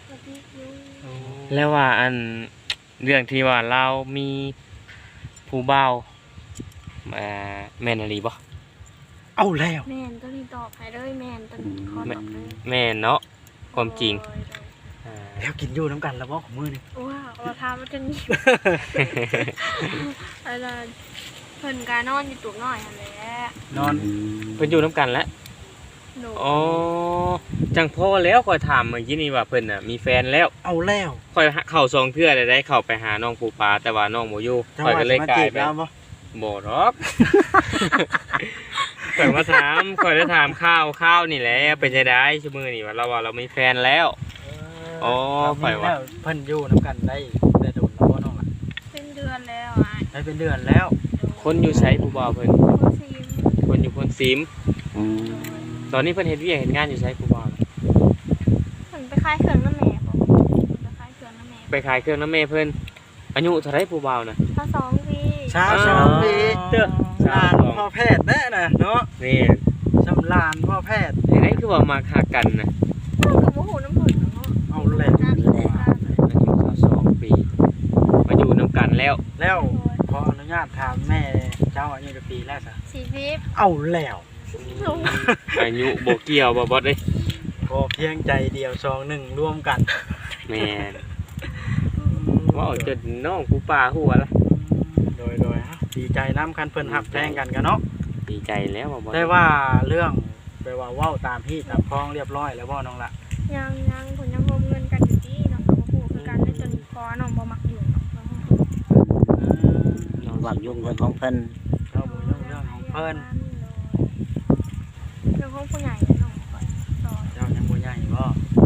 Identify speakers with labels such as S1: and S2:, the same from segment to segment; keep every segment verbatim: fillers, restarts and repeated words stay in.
S1: ปฏิอยู่
S2: แล้วว่าอันเรื่องที่ว่าเรามีผู้บ่าวอ่าแม่นอะไรบ่
S3: เอาแล้ว
S1: แม่นตัวนี้ตอบให้เลยแม่นตัวนี้ขอตอบเลย
S2: แม่นเนาะความจริงอ่า
S3: แล้วกินอยู่น้ำกันแล้วบ่ของมื้อนี่
S1: ว้าวเราทำมันจะนี่อะไรเพิ่นกานอนอยู่ตุ่มน้อยหั่นแหละ
S3: นอน
S2: เพิ่นอยู่นํกันแล้ว
S1: หนู
S2: อ๋อจังพ่อแล้วค่อยถามเมื่อกี้นี่ว่าเพิ่นน่ะมีแฟนแล้ว
S3: เอาแล้ว
S2: ค่อยเข้าซองเทื่อได้ได้เข้าไปหาน้องปูปลาแต่ว่าน้องบ่อยู่
S3: จัง
S2: ค่อย
S3: หวะ
S2: ก็เลย
S3: มาก
S2: ลา
S3: จี
S2: ย
S3: บ
S2: ไป
S3: แล้วบ่
S2: บ่หรอก ข่อยมาถามข่อยได้ถามข้าวข้าวนี่แหละเป็นจังได๋ชั่วมื้อนี้ว่าเราว่าเรามีแฟนแล้ว อ๋อ
S3: ไป
S2: ไปวะ
S3: แล้วเพิ่นอยู่น้ำกันได้ได้โดนแล้วบ่น้องล่ะ
S1: เป็นเดือนแล้วอ่ะ
S3: ได้เป็นเดือนแล้ว
S2: คนอยู่ไสผู้บ่าวเพิ่น
S1: คนซีม
S2: คนอยู่พนซิม
S4: อืม
S2: ตอนนี้เพิ่นเฮ็ดเวียกเฮ็ดงานอยู่ไสผู้บ่าวน่ะ
S1: เพิ่นไปขายเครื่องน้ำแม่บ่ไปขายเครื่องน้ำแม่
S2: ไปขายเครื่องน้ำแม่เพิ่นอายุเท่าไรผู้บ่าวน่ะ
S1: ถ้าสองปี
S3: ชาวสองปี
S2: เด้อ
S3: ลานพ่อแพทย์แน่น่ะเนาะ
S2: นี่
S3: ชำลานพ่อแพทย์
S2: จังได๋คือว่ามาคักกันน่ะ
S1: เพิ่นก็บ่ฮู้น้ำเพิ่นเนาะ
S3: เอาแล้ว
S2: อายุสองปีมาอยู่นํกันแล้ว
S3: แล้วขออนุญาตถามแม่เจ้าอายุกี่ปีแล้วซะ
S1: สี่สิบ
S3: เอาแล้ว
S2: อายุบ่เกี่ยวบ่บ่เด้
S3: พอเพียงใจเดียวซองหนึ่งร่วมกัน
S2: แม่นว่าเอาจนน้องผู้ป่าหัวละ
S3: โดยโดยฮะดีใจน้ำคันเพิ่นหักแพงกันกันเนาะ
S2: ดีใจแล้วบ่บ่
S3: ได้ว่าเรื่องไปว่าเว้าตามพี่ตามคลองเรียบร้อยแล้วบ่น้องละ
S1: ยังยังเพิ่นยังรวมเงินกันอยู่ที่น้องก็บ่ฮู้คือกันได้จนคอน้องบ่มักอยู่เนาะ
S4: น้องหวังยุ่งเรื่องของเพิ่น
S3: เจ้าบุญเรื่องเรื่องของเพิ่น
S1: เรื่องของผู้ใหญ่น้องก่อนต่อ
S3: เจ้ายังบ่ใหญ่บ่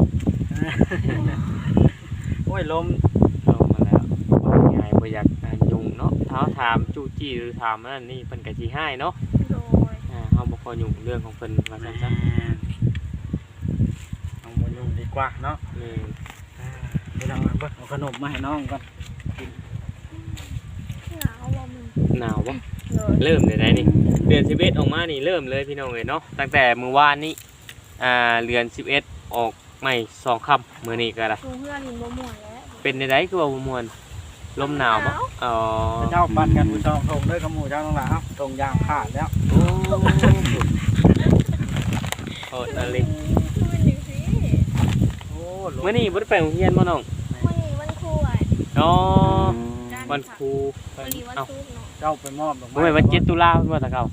S3: โอ้ยลม
S2: ลงมาแล้วว่าไงบ่อยากอ่ายุ่งเนาะเท้าถามจู้จี้หรือถามนั่นนี่เพิ่นก็สิให้เนาะ
S1: โดย
S2: อ่าเฮาบ่ค่อยยุ่งเรื่องของเพิ่นว่าซั่นซะ
S3: เอาบ่ยุ่งดีกว่าเนาะ
S2: นี่
S3: อ่าเดี๋ยวเราเอาเบิ่งเอาขนมมาให้น้องก่อน
S1: หนาวบ่มึง
S2: หนาวบ่
S1: โดย
S2: เริ่มได้ได้นี่เดือนสิบเอ็ดออกมานี่เริ่มเลยพี่น้องเอ้ยเนาะตั้งแต่มื้อวานนี้อ่าเดือนสิบเอ็ดออกใหม่สองค่ำมื้อนี้ก็ได้
S1: ลุงเพื่อนนี่บ่ม่วนแล้ว
S2: เป็นได้คือว่าบ่ม่วนลมหนาวบ่อ๋อ
S3: เจ้าปั่นกันผู้ชองทงด้วยกับหมู่เจ้าน้องละเอ้าตรงยางขาดแล้ว
S2: โอ้โหอะไร
S1: คือเป็นจังซี่
S3: โอ้ลม
S2: มื้อนี้บ่ได้ไปโรงเรียนบ่น้อง
S1: วันนี้วันครูอ่ะ
S2: อ๋อ
S4: อืม
S2: วันครู
S1: วันนี้วันศุกร์เนาะ
S3: เจ้าไปมอบดอก
S2: บ่แม่นวันเจ็ดตุลาเพิ่นว่าแตะเก่า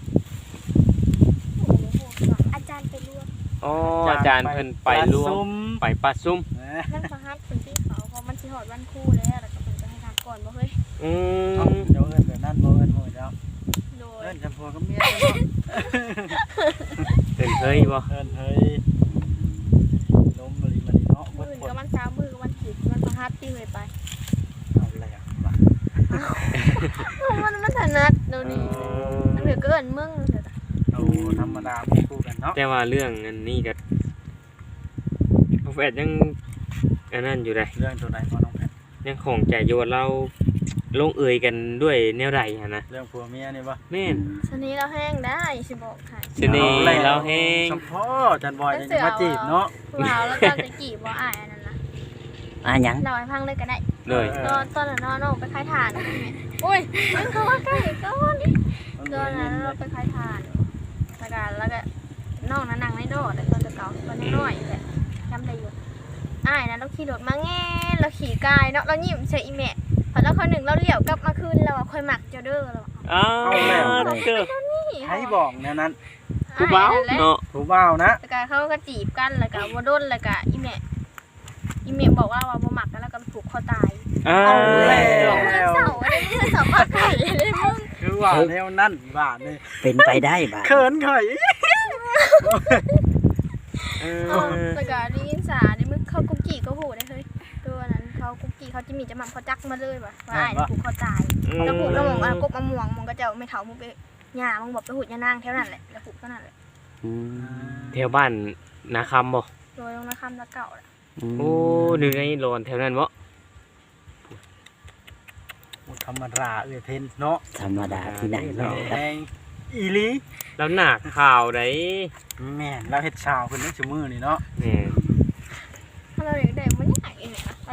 S1: โอ้โหอาจารย์ไปรวม
S2: อ๋ออาจารย์เพิ่นไปร่วมไปปัดซุ่ม
S3: เอ้ย
S1: นั่นประหัดเป็นที่เขาเพราะมันสิฮอดวันครูแล้วแล้วก็เพิ่นจะให้ทานก่อนบ่เฮ้ย
S2: อื
S3: เอ้าม เจ้าเอิ้นแบบนั้นบ่เอิ้นหมู่เจ้า
S1: โดย
S3: เอิ้นจำพวกกับเมียเจ้าเนาะ
S2: เป็นเฮ้ยบ่
S3: เอิ้นเฮ้ยลมมาลีมาลีเนาะ
S1: มื้
S3: เบิ
S1: อ
S3: ด
S1: อื่น
S3: คน
S1: ก็วันเสาร์มื้อก็วันศุกร์วันประหัดที่เลยไป
S3: เอาแล้วว่ะ
S1: มันมันถนัดเดี๋ยวนี้มันเหลือเกินมึงเถอะ
S3: เอาธรรมดาบ่คู่กันเนาะ
S2: แต่ว่าเรื่องอันนี้ก็น้องแฟดยังอันนั้นอยู่ได้
S3: เรื่องตัวใดบ่น้องแพท
S2: ยังของใจโยนเราลงเอยกันด้วยแนวใดฮะนะ
S3: เรื่องผัวเมียนี่บ่
S2: แม่น
S1: ชนี้เราแห้งได้สิบอกให้
S2: เสน่ห์เราแฮง
S3: เฉพาะจันบอยยังจะมาจีบเนาะ
S1: ผู้บ่าวแล้วตอนจะกี่บ่อายอันนั้นนะ
S4: อ่ะหยัง
S1: เราให้พังเลยก็ได้
S2: เลย
S1: ตอนตอนนั้นน้องไปขายถ่านนะแม่โอ้ยมันเข้ามาใกล้ก้อนตอนนั้นเราไปขายถ่านแล้วก็แล้วก็น้องนั้นนั่งในโดดตอนจะเก่าตอนน้อยๆแหละจำได้อยู่อ้ายนะเราขี่รถมาแง่เราขี่กายเนาะเรายิ้มใส่อีแม่พอแล้วคนหนึ่งเราเหลี่ยวกลับมาคืนเราคอยหมักเจ้าเด้อเรา
S2: อ้าวเจอ
S3: ใครบอกแนวนั้น
S2: ผู้บ่าวเนาะ
S3: ผู้บ่าวนะ
S1: แล้วก็เขาก็จีบกันแล้วก็บ่โดนแล้วก็อีแม่อีแม่บอกว่าว่าบ่หมักกันแล้วก็ผูกคอตาย
S2: อ้า
S3: เอา
S2: ว
S3: แล้ว
S1: เมื่อเสาร์อะไรเมื่อเสาร์ปากไก่เลยมึง
S3: คือว่าแนวนั้นบ้านี่
S4: เป็นไปได้บ่า
S3: เขินข่อย
S2: เอ
S1: เอา
S2: อ
S1: แล้วก็ได้ยินสาในมึงเขากุ๊กกี้ก็หูได้เฮ้ยตัวนั้นเขากุ๊กกี้เขาจะมีจะหมั่นเขาจักมาเลยว่ะว่าไอ้ผูกคอตายแล้วผูกแล้วมองอ่ะกบมะม่วงมึงก็จะไม่เถามึงไปหญ้ามึงบอกไปหุดยานางแถวนั้นแหละแล้วผูกเท่านั้นแหละ
S4: อืม
S2: แถวบ้านนาคำบ่
S1: โดยลงนะคำละเก่าแหละ
S2: โอ้หนึ่งในโลนแถวนั้นบ่
S3: ธรรมดาเอ้ยเพนเนาะ
S4: ธรรมดาที่ไหนเนาะ
S3: แดงอีหลี
S2: แล้วหนักข่าวได้
S3: แม่นเราเฮ็ดชาวเพิ่นนี่ชั่วมือนี่เนาะ
S2: แม่น
S1: ถ้าเราอยากได้มัน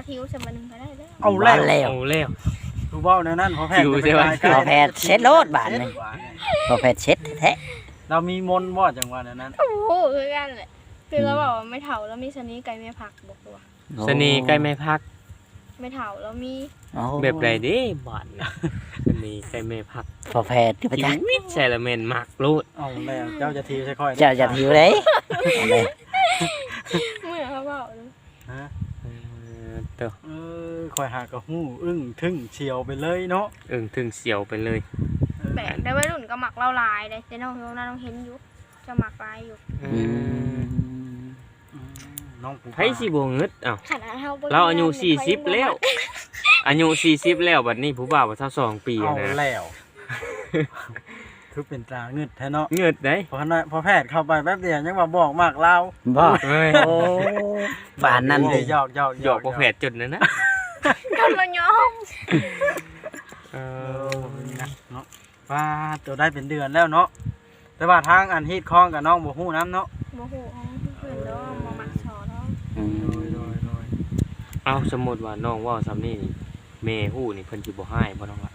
S1: ทิวสมัยหนึงก็ได้แล้ว
S3: เอา
S4: บ่
S3: แล้ว
S4: แล้ว
S2: เอาแล้ว
S3: ดูเบ้าในนั้นพอแพทย์
S2: อยู่
S3: จะ
S2: ใช่ไหม
S3: ไปใกล้
S4: พอแพทย์เช็ดโลดบาดนี่พอแพทย์เช็ดแท้
S3: เรามีมนต์บ่จังหวะนั้น
S1: โอ้โหคือกันแหละคือเราบอกว่าไม่เฒ่าแล้วมีชนิดไก่ไม่ผักบอกว่า
S4: ๆ
S2: สนีใกล้ไม่พัก
S1: ไม่เฒ่าแล้วมี
S4: โอ้
S2: แบบไรเด้บาดน่ะสนีใกล้ไม่พัก
S4: พอแพทย์ที่ประ
S2: ชี
S4: จักษ์
S2: วิตใช่ละแม่นมักโลด
S3: เอาแล้วเจ้าจะทีใช่ค่อย
S4: เจ้าจะหิวเลยเอาเลย
S1: เมื่อเขาบอกเลย
S3: ฮะ
S2: เออเตัว
S3: เออคอยหากระหู้อึ้งทึ่งเฉียวไปเลยเนาะ
S2: อึ้งถึงเสียวไปเลย
S1: แบกได้วัยรุ่นก็หมักเล่าลายเลยแต่น้องน้องน้องเห็นอยู่จะหมักลายอยู่
S2: อื
S4: อื
S2: ม
S4: ม
S3: อืมน้องปู
S2: ไผสิบ่งึดเอ้า
S1: ขนาดเฮาบ่
S2: เราอายุสี่สิบแล้ว อายุสี่สิบแล้วบัดนี้ผู้บ่าวว่าเท่าสองปี
S3: เอา
S2: นะ
S3: แล้ว คือเป็นตาเงึดแท้เนาะ
S2: เงึดได้
S3: พอนะพอแพทย์เข้าไปแป๊บเดียวยังว่าบอกมากเล่า
S4: บ่
S2: เอ้ย
S4: โอ้บานนั่น
S3: เล
S4: เลย ย
S3: หยอกหยอก
S2: หยอกบ่แผดจุดนั้นนะ
S1: โดนละยอม
S2: เอ
S3: เอ
S2: อ
S3: อนะเนาะว่าตัวได้เป็นเดือนแล้วเนาะแต่ว่าทางอันฮีดคล้องกับน้องบ่ฮู้น้ำเนาะ
S1: โมโหของเพื่อนเด้อมาหมักชอเนาะ
S4: อื
S3: โด
S4: ม
S3: ยโดยโดย
S2: เอาสมมุติว่าน้องเว้าซ้ำนี่นี่แม่ฮู้นี่เพิ่นสิบ่ให้บ่น้องล่ะ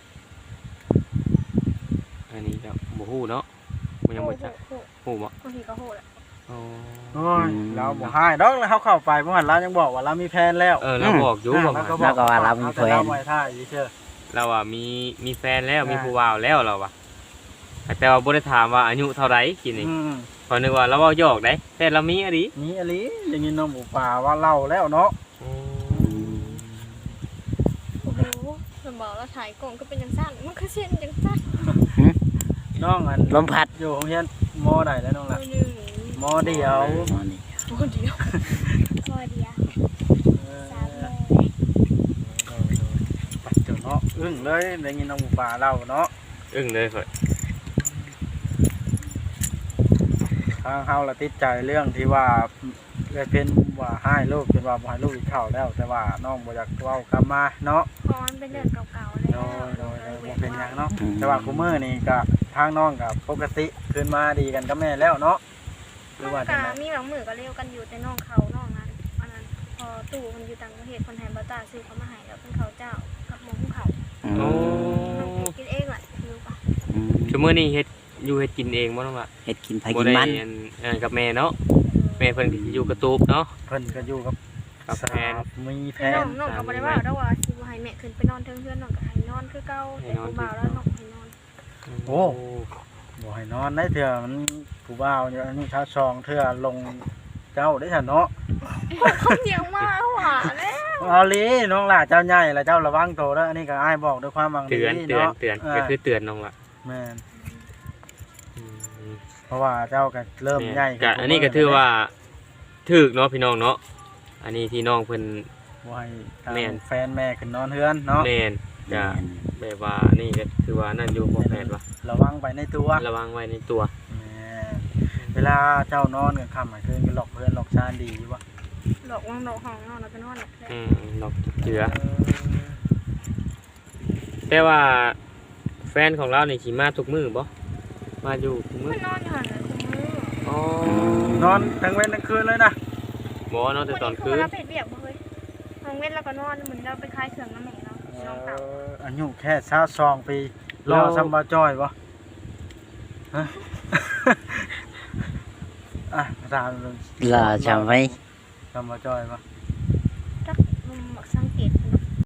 S2: อันนี้ก็บ่ฮู้เนาะมันยังบ่จัก
S1: โห
S2: ฮู้บ่
S1: บางทีก็โหดอ่ะ
S2: อ๋อ
S3: โอ้ยเราบ่ให้ดอกแล้วเขาเข้าไปเมื่อวานเรายังบอกว่าเรามีแฟนแล้ว
S2: เออเราบอกอยู่บอก
S3: แล้วก็
S2: ว่า
S3: บอกว่าเรามีแฟนไว้ท่าอีเชื่อ
S2: เราอ่ะมีมีแฟนแล้ว
S3: ใช่
S2: มีผู้บ่าวแล้วเราอ่ะแต่ว่าบ่ได้ถามว่าอายุเท่าไหร่กินนี่
S3: อืม
S2: พอนึกว่าเราเว้าหยอกได้แต่เรามีอะดิ
S3: นี่อลีอย่างนี้น้องหมูป่าว่าเล่าแล้วเนาะ
S1: โอ้โหเพิ่นบอกเราถ่ายกล่องก็เป็นจังซั่นมันก็เส้นจังซั่น
S3: น้องอัน
S4: ลมพัด
S3: อยู่โรงเรียนมอใดแล้วน้อง
S1: ตั
S3: ล่ะ
S1: วหนึ่ง
S3: มอเดียว
S4: อ๋อนี่
S1: ตัวเดียวตัวเดียว
S3: เออ
S1: สามโมง
S3: ปัดเจ้าเนาะอึ้งเลยได้ยินน้องหมูป่าเล่าเนาะ
S2: อึ้งเลยเพิ่น
S3: ทางเฮาละติดใจเรื่องที่ว่าเลยเป็นว่าให้ลูกเป็นว่าบ่ให้ลูกอีกเข้าแล้ว แต่ว่าน้องบ่อยากเว้ากลับมาเนาะ
S1: เพราะมันเป็นเดือนเก่าๆแล้ว
S3: โดยโดยโดยบ่เป็นหยังเนาะแต่ว่าคุมื้อนี่ก็ทางน้องก็ปกติขึ้นมาดีกันกับแม่แล้วเนาะห
S1: น้
S3: รือ อง ว่าจั
S1: กาง
S3: ได
S1: มีบางมือก็เลี้ยวกันอยู่แต่น้องเขาน้องนั้นอันนั้นพอตู่คนอยู่ต่างประเทศคนไทยบ่ตาซื้อเขามาให้แล้วเป็นเขาเจ้ากับหมูเขา
S4: อื
S2: โอ้
S4: ม
S1: กินเองแหละรู้ปะ
S4: อืม
S2: ชั่วมื้อนี้เฮ็ดอยู่เฮ็ดกินเองบ่น้องล่ะ
S4: เฮ็ดกินไผ
S2: บ่
S4: กิน
S2: ได้
S4: มัน
S2: อันอันกับแม่เนาะแม่เพิ่นก็สิอยู่กระตูบเนาะ
S3: เพิ่นก็อยู่กับ
S2: กับแฟน
S3: สามีแฟ
S1: น้อน งน้องก็บ่ได้ว่าดอกว่าสิบ่ให้แม่ขึ้นไปนอนเทิงเพื่อนน้องก็ให้นอนคือเก่าแต่ผู้บ่าวแล้วน้องให้นอน
S3: บ่ให้นอนได้เถื่อมันผู้บ่าวเนี่ยอันนี้ชาวซองเถื่อลงเจ้าได้ซั่นเนาะ
S1: เขาเดียวมาหวานแล้ว
S3: เอาลีน้องหล่าเจ้าใหญ่แล้วเจ้าระวังโตวเด้ออันนี้ก็อ้ายบอกด้วยความหวังดี
S2: เตือนเตือน
S3: เนาะ
S2: เตือน
S3: เออ
S2: ก็คือเตือนน้องล่ะ
S3: แม่น
S2: อืม
S3: เพราะว่าเจ้าก็เริ่มใหญ่
S2: ก็อันนี้ก็ถือว่าถูกเนาะพี่น้องเนาะอันนี้ที่น้องเพิ่น
S3: บ่ให้ทาง
S2: แม่น
S3: แฟนแม่ขึ้นนอนเฮือนเนาะ
S2: แม่นก็
S4: แม่น
S2: แบบว่านี่ก็คือว่านั่นอยู่บ่แพทย์ว่า
S3: ระวังไปในตัว
S2: ระวังไว้ในตัว
S3: แม่นเวลาเจ้านอนกลางค่ำกลางคืนก็หลอกเพื่อนหลอกชานดีอยู่บ่
S1: หลอกวางดอกห้องนอนแล้วก็นอนแหละ
S2: อืมนอกจากเจือแต่ว่าแฟนของเรานี่สิมาทุกมื้อบ่มาอยู่ทุกมื้
S1: มั
S2: อน
S1: นอนอยู่หั่นเลยคุณมือ
S2: อ๋อน
S3: อนทั้งเว้นทั้งคืนเลยนะ
S2: บ่เนาะแต่ตอนคืน
S1: เราเป็ดเบียกบ่เฮ้ยทางเว้นแล้วก็นอนเหมือนเราไปคลายเครื่องน้ำแม่เราช่องเก่า
S3: เอ่ออายุแค่ชาซองปีรอซัมบาจ้อยบ่ฮะ อ่ะถาม
S4: ลาจำไว้
S3: ซัมบาจ้อยบ่
S1: เ